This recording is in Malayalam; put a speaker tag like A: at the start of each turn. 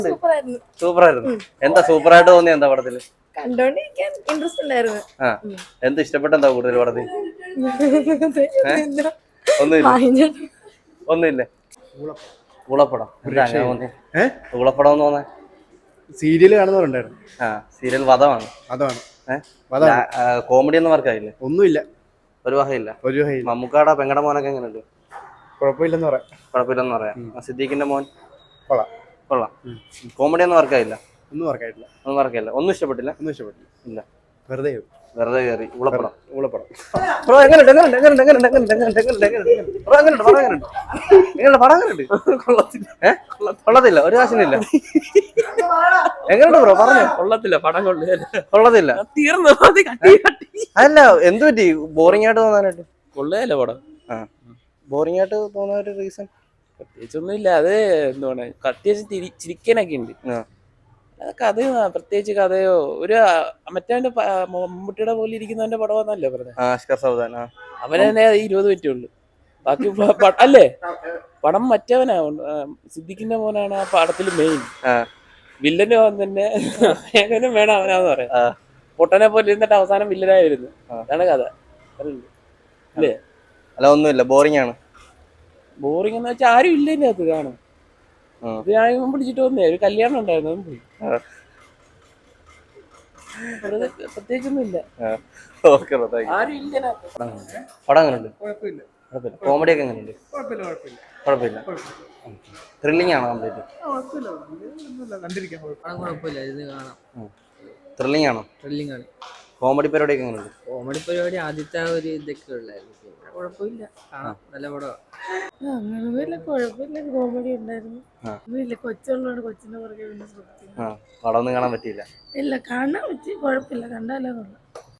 A: സൂപ്പറായിരുന്നു. എന്താ സൂപ്പറായിട്ട് തോന്നിയ എന്താ പടത്തില്?
B: കണ്ടോണ്ടിരിക്കാൻ ഇൻട്രസ്റ്റ് ഉണ്ടായിരുന്നു.
A: എന്ത് ഇഷ്ടപ്പെട്ട എന്താ കൂടുതൽ പടത്തിൽ? ഒന്നുമില്ലേ? ഊളപ്പടം ഊളപ്പടം എന്ന് തോന്നാൻ
C: സീരിയല് കാണുന്നവരുണ്ടായിരുന്നു.
A: സീരിയൽ വധമാണ്. കോമഡി ഒന്നും വർക്കായില്ലേ?
C: ഒന്നുമില്ല,
A: ഒരു വകയില്ല. മമ്മൂക്കാടെ പെങ്ങടെ മോനൊക്കെ എങ്ങനെയുണ്ട്?
C: കുഴപ്പമില്ലെന്ന്
A: പറയാം. സിദ്ദീഖിന്റെ മോൻ കൊള്ളാം. കോമഡി ഒന്നും വർക്കായില്ല.
C: ഒന്നും വർക്കായിട്ടില്ല.
A: ഒന്നും ഇഷ്ടപ്പെട്ടില്ല. ഇല്ല, വെറുതെ കയറി ഊളപ്പടം. ബ്രോ കൊള്ളത്തില്ല, ഒരു കാശിനില്ല. എങ്ങനെയുണ്ട് ബ്രോ പറഞ്ഞു? കൊള്ളത്തില്ല. അല്ല എന്ത് പറ്റി ബോറിംഗ് ആയിട്ട് തോന്നാനായിട്ട്?
D: കൊള്ളയല്ലേ പടം?
A: ബോറിംഗ് ആയിട്ട് തോന്നാൻ ഒരു റീസൺ
D: പ്രത്യേകിച്ചൊന്നും ഇല്ല. അത് എന്താണ് അത്യാവശ്യം ചിരിക്കാനൊക്കെ ഉണ്ട്. കഥയോ പ്രത്യേകിച്ച് കഥയോ ഒരു മറ്റേ മമ്മൂട്ടിയുടെ പോലെ ഇരിക്കുന്നവന്റെ പടമാന്നല്ലേ പറഞ്ഞത്? അവന് തന്നെ 20 മിനിറ്റേ ഉള്ളു. ബാക്കി അല്ലേ പടം മറ്റവനാ, സിദ്ദിഖിന്റെ മോനാണ് ആ പടത്തിൽ മെയിൻ വില്ലന്. തന്നെ എങ്ങനും വേണം അവനാന്ന് പറയാം. പൊട്ടനെ പോലെ ഇരുന്നിട്ട് അവസാനം വില്ലനായി വരുന്നു. അതാണ് കഥ അല്ലേ?
A: അല്ല ഒന്നുമില്ല, ബോറിംഗ് ആണ്.
D: ബോറിംഗ് എന്ന് വെച്ചാൽ ആരും ഇല്ല ഇതിനകത്ത് കാണും. ഇത് ഞാൻ പിടിച്ചിട്ട് വന്നേ, ഒരു കല്യാണം ഉണ്ടായിരുന്നു, അതും പോയി. പ്രത്യേകിച്ചൊന്നും ഇല്ല. ആരും ഇല്ല.
A: പടം എങ്ങനെയുണ്ട്? കോമഡി ഒക്കെ എങ്ങനെയുണ്ട്? കുഴപ്പമില്ല. ത്രില്ലിംഗ് ആണോ? കംപ്ലീറ്റ് ത്രില്ലിംഗ് ആണോ? കോമഡി പരിപാടി ഒക്കെ എങ്ങനെയുണ്ട്?
E: കോമഡി പരിപാടി ആദ്യത്തെ ഒരു ഇതൊക്കെ ഉള്ളായിരുന്നു. കുഴപ്പമില്ല, നല്ല പടമാണ്.
B: അങ്ങനൊന്നുമില്ല, കുഴപ്പമില്ല. കോമഡി ഉണ്ടായിരുന്നു. കൊച്ചുള്ളതാണ്, കൊച്ചിന്റെ പുറകെ
A: പടം ഒന്നും കാണാൻ പറ്റിയില്ല.
B: ഇല്ല, കാണാൻ പറ്റി. കുഴപ്പമില്ല, കണ്ടാലേ കൊള്ളാം.